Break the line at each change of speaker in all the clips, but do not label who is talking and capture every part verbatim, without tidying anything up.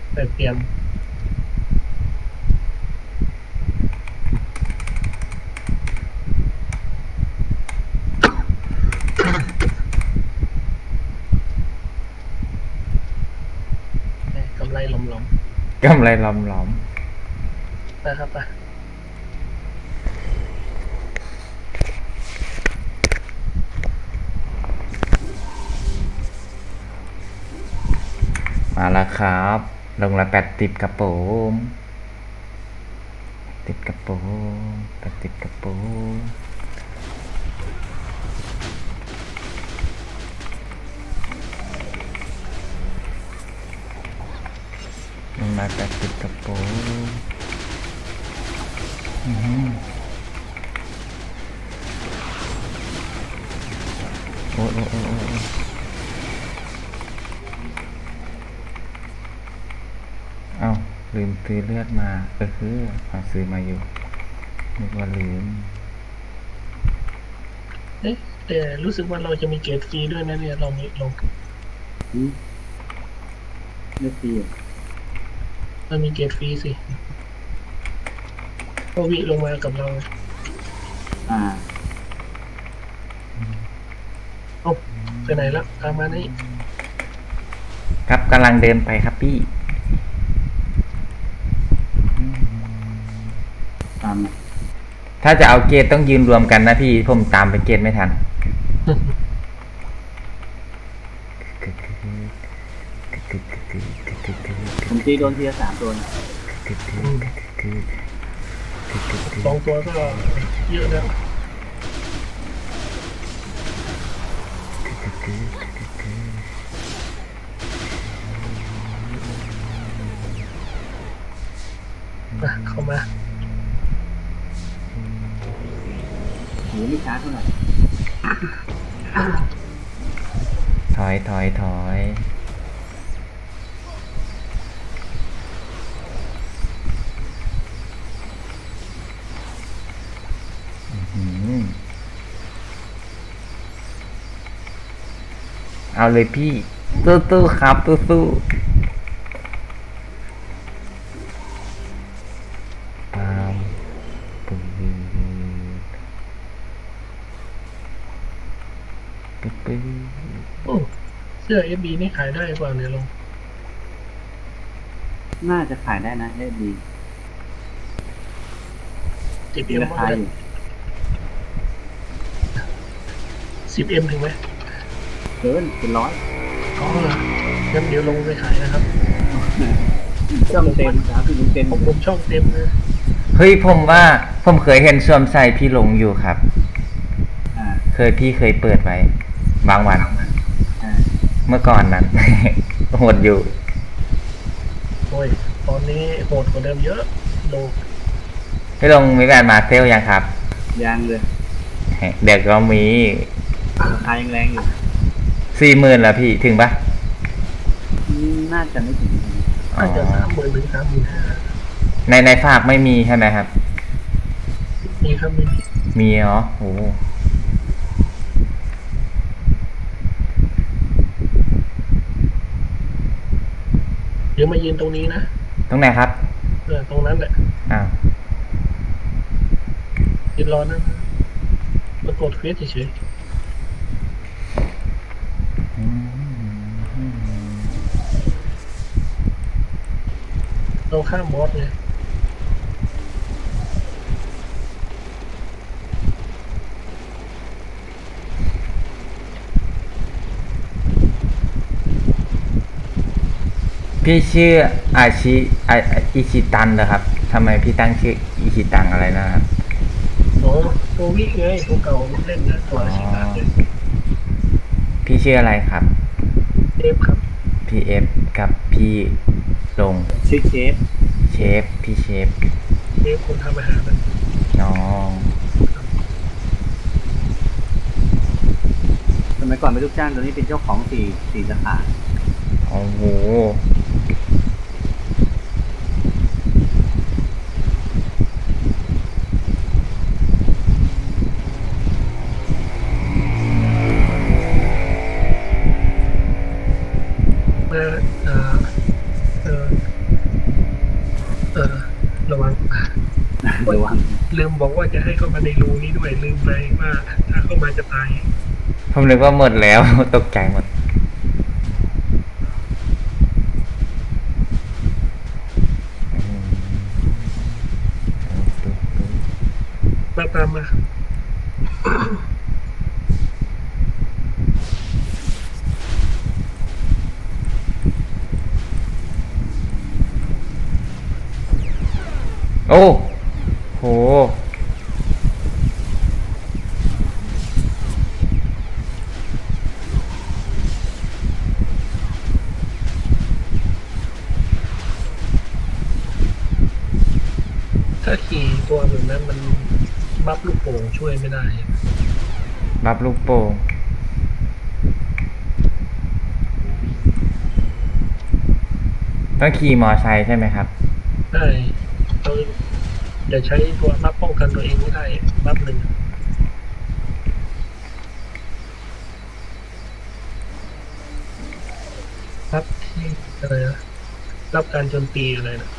แต่เตรียมกำไรหลอม
กำไรล้อมล้อม
ๆนะครับป่ะ
มาแล้วครับลงละแปดติดกระโปรงติดกระโปรงแปดติดกระโปรงลงละแปดติดกระโปรงอืมโอ้โอ้โอ้โอ้เอ้าลืมซื้อเลือดมาเออคือเอาซื้อมาอยู่นึกว่าลืม
เอ๊ะแต่รู้สึกว่าเราจะมีเกรดฟรีด้วยนะเนี่ยเรามีลง
อืมเลือกฟรีอ่ะ
เรามีเกรดฟรีสิโควิลงมากับเรา
อ่า
เอ้าไปไหนแล้วตามมานี่
ครับกำลังเดินไปครับพี่
ตามนะ
ถ้าจะเอาเกตต้องยืนรวมกันนะพี่ผมตามไปเกตไม่ทัน
ผมตีโดนทีละสามตัวนะ
สองตัวก็เยอะแล้วมาเข้ามา
โหไม่ช้าเท่าไหร่
ถอยถอยถอยเอาเลยพี่สู้ๆครับสู้ๆตามปืนปืน
โอ้เสื้อ เอฟ บี นี่ขายได้เปล่าเนี่ยลง
น่าจะขายได้นะเอสดี
สิบ
มี
เอ็ม
ราคาอยู่
สิบเอ็มถึงไหม
เกินเป็นร้อย
อ๋อเหรองั้นเดี๋ยวลงไปขายนะครับ
ช่องเต็มสามสิบเต็ม
ผมผมช่องเต็มนะ
เฮ้ยผมว่าผมเคยเห็นสวมใส่พี่หลงอยู่ครับ
อ่า
เคยพี่เคยเปิดไว้บางวัน
อ่า
เมื่อก่อนนั้น โหดอยู่
โอ้ยตอนนี้โหดกว่าเดิมเยอะลง
พี่หลงมีแบรนด์มาเซลยังครับ
ยางเลย
เด็กก็มี
ราคายังแรงอยู่
สี่หมื่นแล้วพี่ถึงปะ
อืมน่าจะไม่ถึง
อาจจะสามหมื่นถึงสามหมื่นห้า
ในในฝากไม่มีใช่ไหมครับ
มีครับมี
มีเหรอโอ้
เดี๋ยวมายืนตรงนี้นะ
ตรงไหนครับ
เออตรงนั้นแหละ
อ้าว
ยืนรอนะมากดเควสเฉยๆเราข้ามบอสไง
พี่ชื่ออาชิอาอิชิตันเหรอครับทำไมพี่ตั้งชื่ออิชิตันอะไรนะครับ
โอ้โควิไงตัวเก่าเล่นนะตัวอาชิตาเลย
พี่ชื่ออะไรครับ
เอฟครับ
พี่เอฟกับพี่ลง
ชื่อเชฟ
เชฟพี่เชฟ
เอฟคนทำอาหารนะ
น้อง
สมัยก่อนเป็นลูกจ้างตอนนี้เป็นเจ้าของสี่สี่สาขา
โอ้โห
มาเอ่อเอ่อ
ระวัง
ลืมบอกว่าจะให้เข้ามาในรูนี้ด้วยลืมไปว่าถ้าเข้ามาจะตาย
ผมนึกว่าหมดแล้ว ตกใจหมดอืมตุ๊บตุ๊บ
มาตามมา
โอ้โห
ถ้าขี่ตัวแบบนั้นมันบัฟลูกโป่งช่วยไม่ได้
บับลูกโป่งต้องขี่มอไซค์ใช่ไหมครับ
ได้เราจะใช้ตัวบัฟป้องกันตัวเองไม่ได้บัฟหนึ่งบัฟที่อะไรนะรับการโจมตีอะไรนะ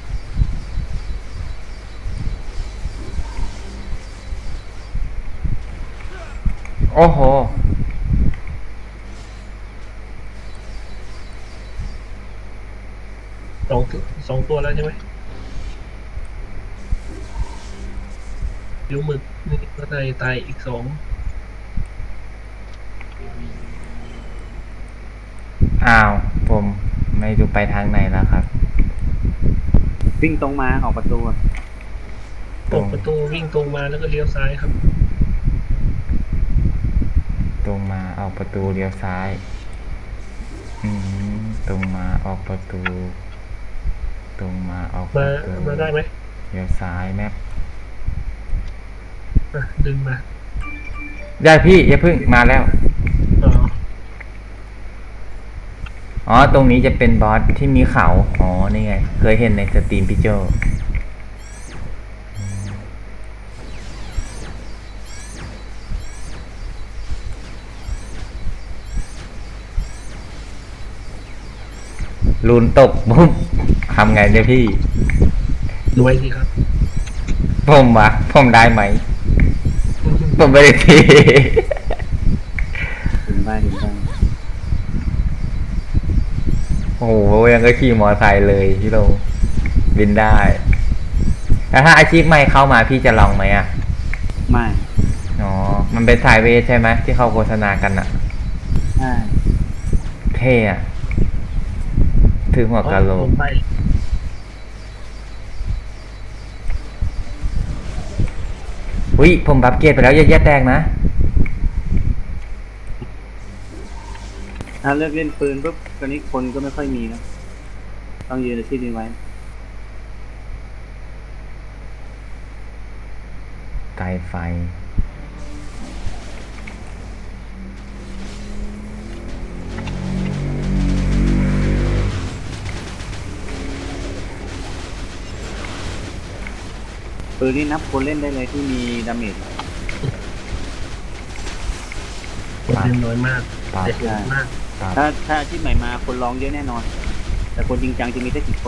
โอ้โห
สองตัวสองตัวแล้วใช่ไหมเดี๋ยวหมึกนี่ก็ได้ตายอีกสอง
อ้าว ผมไม่ดูไปทางไหนแล้วครับ
วิ่งตรงมาออกประตู
เปิดประตูวิ่งตรงมาแล้วก็เลี้ยวซ้ายครับ
ตรงมาออกประตูเลี้ยวซ้าย อืม ตรงมาออกประตู ตรงมาออกป
มา
ระตู
มาได้ไหม
เลี้ยวซ้ายแมป
อ่ะดึงมา
ได้พี่อย่าเพึ่งมาแล้ว
อ๋อ
อ๋อ ตรงนี้จะเป็นบอสที่มีเขา อ๋อ นี่ไง เคยเห็นในสตรีมพี่โจลูนตกปุ๊บทำไงเนี่ยพี่
รวยสิครับ
ผมวะผมได้ไหม ผมไม่ได้ที
ถึงบ้านถึงบ้าน
โอ้โหยังก็ขี่มอไซค์เลยพี่โลบินได้ แล้วถ้าอาชีพใหม่เข้ามาพี่จะลองไหมอ่ะ
ไม่
อ๋อ มันเป็นสายเวทใช่ไหมที่เขาโฆษณากันอ่ะ
ใช่
เท่อะถือหัวกะโหล
ล
ก
งไป
อุ้ยผมบัฟเกตไปแล้วอย่าแย่แตกนะ
ถ้าเลิกเล่นปืนปุ๊บตอนนี้คนก็ไม่ค่อยมีแล้วต้องยืนในที่นี้ไว้
ไกลไฟ
ปืนนี่นับคนเล่นได้เลยที่มีดาเมจ
คนเล่นน้อยมาก
ปาด
แต่โหดมาก
ปาด
ถ้าถ้าอาชีพใหม่มาคนลองเยอะแน่นอน แต่คนจริงจังจะมีแค่กี่คน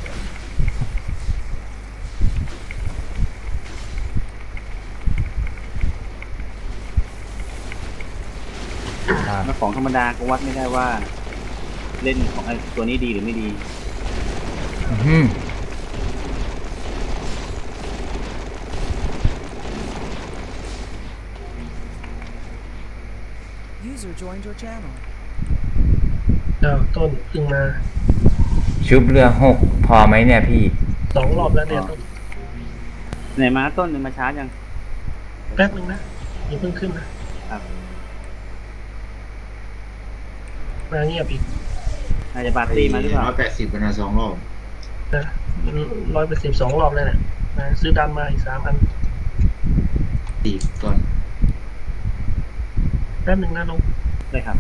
ปาด
แล้วของธรรมดาก็วัดไม่ได้ว่า เล่นของไอ้ตัวนี้ดีหรือไม่ดี
อื้อหือ
User joined your channel.
เจ้าต้นเพิ่งมา
ชุบเรือหกพอไหมเนี่ยพี่
สองรอบแล้วเนี่ยต้น
ไหนมาต้นหนึ่งมาช้ายัง
แป๊บนึงนะอย่าเพิ่งขึ้นนะครับ มาเงียบอีก
อาจจะบาร์ตี้มาหรือเปล่า
ร้อยแปดสิบเป็นสองรอบ
นะร้อยเป็นสิบสองรอบแล้วเนี่ยมาซื้อดำมาอีกสามอัน
ตีก่อน
แป๊บนึงนะลง
ได้ครับ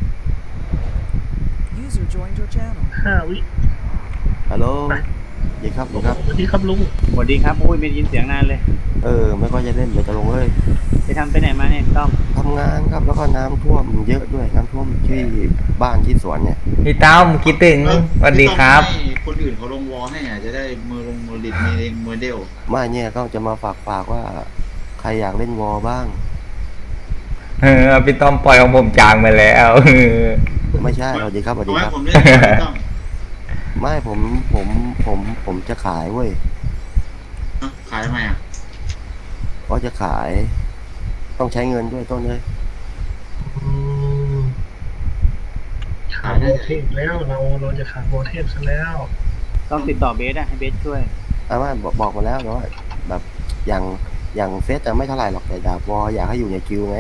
User joined your channel.
ห้าวิ
ฮัลโหล
ไป
ดีครับดีครับ
สวัสดีครับลุง
สวัสดีครับโอ้ยไม่ได้ยินเสียงนานเลย
เออ ไม่ค่อยจะเล่นเดี๋ยวจะลงเลย
ไปทำไปไหนมาเนี่ยต้อม
ทำงานครับ แล้วก็น้ำท่วมเยอะด้วย น้ำท่วมที่บ้านที่สวนเนี่ย
พี่ต้อมคิดถึงสวัสดีครับ
พี่คนอื่นเขาลงวอลให้อ่ะจะได้มือลงมือลิดมีเองมือเดียว
ไม่เนี่ยก็จะมาฝากฝากว่า ใครอยากเล่นวอลบ้าง
เออพี่ต้อมปล่อยของผมจางไปแล้ว เออ
ไม่ใช่สวัสดีครับสวัสดี
เอา
ค
ให้
รับ
ผมเล่นก่อนไม่ต้อง
ไม่ผมผมผมผมจะขายเว้ย
เอ้าขายทำไมอ่ะ
ก็จะขาย ต้องใช้เงินด้วยต้นเลย
อืมขาดโบเทพแล้วเราเราจะขาดโบเทพซะแล้ว
ต้องติดต่อเบสอะให้เบสช่วย
อาม่าบอกบอกมาแล้วแต่ว่าแบบอย่างอย่างเฟสจะไม่เท่าไหร่หรอกแต่ดาบวอลอยากให้อยู่ในคิวไง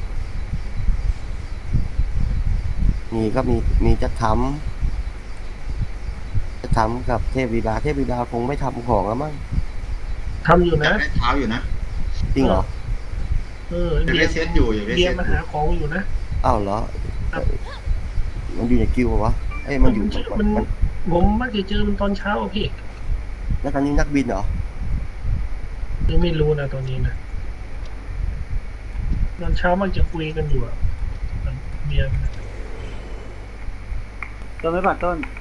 มีก็มีมีจะทำจะทำกับเทพวีดาเทพวีดาคงไม่ทำของแล้วมั้ง
ทำอยู่
อยาก
นะ
ได้เท้าอยู่นะ
จริงเหรอ
เออ
อยาก
เบีย
ได้
ร์
เซตอยู่อยากได้
เบีย
เซ
ร์
ต
มา
อยู่
หาของอยู่นะ
อ้าวเหรอเอ่อมันอยู่ในคิวเหรอวะเอ้ยมันอยู่
มัน
มัน
ผมมักจะเจอมันตอนเช้าอะพี่
แล้วตอนนี้นักบินเหรอ
ยังไม่รู้นะตอนนี้นะตอนเช้ามักจะคุยกันอยู่อะเบียร์
ต้นไม่ปัดต้น